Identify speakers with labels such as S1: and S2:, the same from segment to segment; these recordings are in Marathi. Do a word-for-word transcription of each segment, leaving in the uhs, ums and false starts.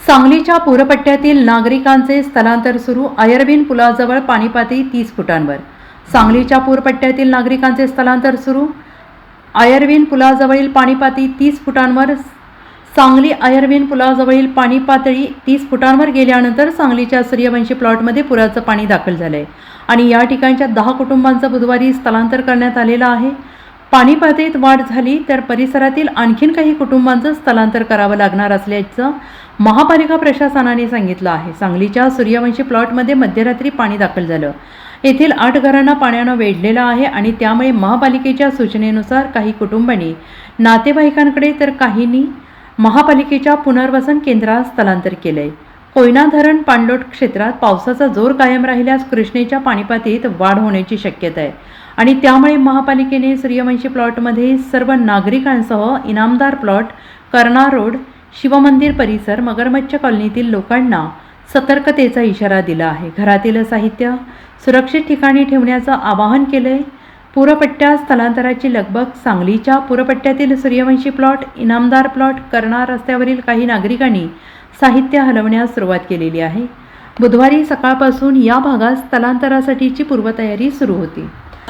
S1: सांगलीच्या पूरपट्ट्यातील नागरिकांचे स्थलांतर सुरू. आयर्विन पुलाजवळ पाणी पातळी तीस फुटांवर. सांगलीच्या पूरपट्ट्यातील नागरिकांचे स्थलांतर सुरू. आयर्विन पुलाजवळील पाणी पातळी तीस फुटांवर. सांगली आयर्विन पुलाजवळील पाणी पातळी तीस फुटांवर गेल्यानंतर सांगलीच्या सूर्यवंशी प्लॉटमध्ये पुराचं पाणी दाखल झालंय आणि या ठिकाणच्या दहा कुटुंबांचं बुधवारी स्थलांतर करण्यात आलेलं आहे. पाणी पातळीत वाढ झाली तर परिसरातील आणखीन काही कुटुंबांचं स्थलांतर करावं लागणार असल्याचं महापालिका प्रशासनाने सांगितलं आहे. सांगलीच्या सूर्यवंशी प्लॉटमध्ये मध्यरात्री पाणी दाखल झालं. येथील आठ घरांना पाण्यानं वेढलेलं आहे आणि त्यामुळे महापालिकेच्या सूचनेनुसार काही कुटुंबांनी नातेवाईकांकडे तर काहींनी महापालिकेच्या पुनर्वसन केंद्रात स्थलांतर केलंय. कोयना धरण पाणलोट क्षेत्रात पावसाचा जोर कायम राहिल्यास कृष्णेच्या पाणीपातळीत वाढ होण्याची शक्यता आहे आणि त्यामुळे महापालिकेने सूर्यवंशी प्लॉटमध्ये सर्व नागरिकांसह इनामदार प्लॉट, कर्णा रोड, शिवमंदिर परिसर, मगरमच्छ कॉलनीतील लोकांना सतर्कतेचा इशारा दिला आहे. घरातील साहित्य सुरक्षित ठिकाणी ठेवण्याचं आवाहन केलंय. पूरपट्ट्या स्थलांतराची लगबग. सांगलीच्या पूरपट्ट्यातील सूर्यवंशी प्लॉट, इनामदार प्लॉट, कर्णा रस्त्यावरील काही नागरिकांनी साहित्य हलवण्यास सुरुवात केलेली आहे. बुधवारी सकाळपासून या भागात स्थलांतरासाठीची पूर्वतयारी सुरू होती.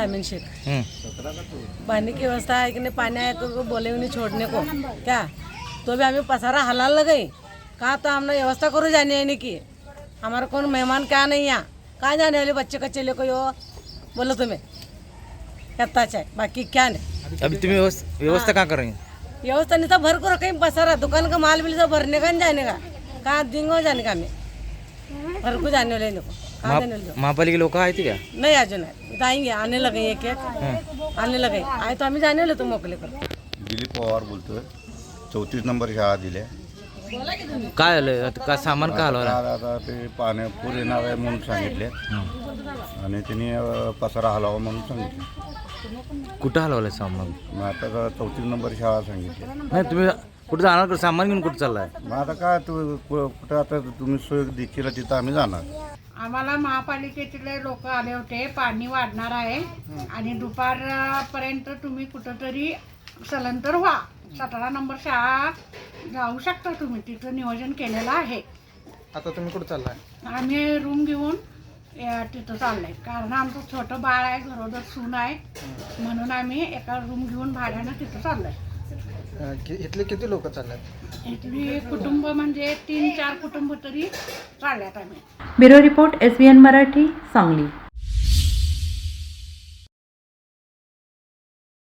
S2: पानी की व्यवस्था है कि नहीं, पानी आए तो बोले उन्हें छोड़ने को क्या, तो भी हमें पसारा हलाल लगाई कहा तो हमने व्यवस्था करो जाने आने की. हमारा कौन मेहमान क्या नहीं यहाँ, कहाँ जाने वाले बच्चे कच्चे लेको यो बोलो तुम्हें कत्ताच है, बाकी क्या नहीं.
S3: अभी तुम्हें व्यवस्था कहाँ कर रही हैं?
S2: व्यवस्था नहीं तो भर को रखें पसारा, दुकान का माल बिल सब भरने का नहीं जाने का, कहाँ दिंगो जाने का, हमें भर को जाने वाले को कहाँ जाने वाले.
S3: महापालिका लोग आए थे क्या?
S2: नहीं आज नहीं, आएंगे, आने लगे एक एक आने लगे. आए तो आम्ही जाने वाले तो मोकले कर.
S4: दिलीप पवार बोलतोय. चौतीस नंबर शाळा दिल्या.
S3: काय आलं का सामान का हलवलं?
S4: आता ते पाणी पूर येणार आहे म्हणून सांगितले आणि त्यांनी पसारा हलावा म्हणून सांगितलं.
S3: कुठं हलवलं सामान?
S4: मग आता चौतीस नंबर शाळा सांगितली.
S3: नाही तुम्ही कुठं जाणार का? सामान घेऊन कुठं चाललाय?
S4: मग आता काय तू कुठं आता तुम्ही सोय देखील तिथं आम्ही जाणार.
S5: आम्हाला महापालिकेतले लोक आले होते, पाणी वाढणार आहे आणि दुपारपर्यंत तुम्ही कुठंतरी स्थलांतर व्हा. सतरा नंबर शाळा जाऊ शकता तुम्ही, तिथं नियोजन केलेलं आहे.
S6: आता तुम्ही कुठं चाललाय?
S5: आम्ही रूम घेऊन तिथं चाललंय, कारण आमचं छोटं बाळ आहे, घरोदर सून आहे, म्हणून आम्ही एका रूम घेऊन भाड्यानं तिथं चाललंय.
S6: इथले किती लोक चालल्यात?
S5: इथली कुटुंब म्हणजे तीन चार कुटुंब तरी चालल्यात आम्ही.
S1: Bureau report, S B N Marathi, Sangli.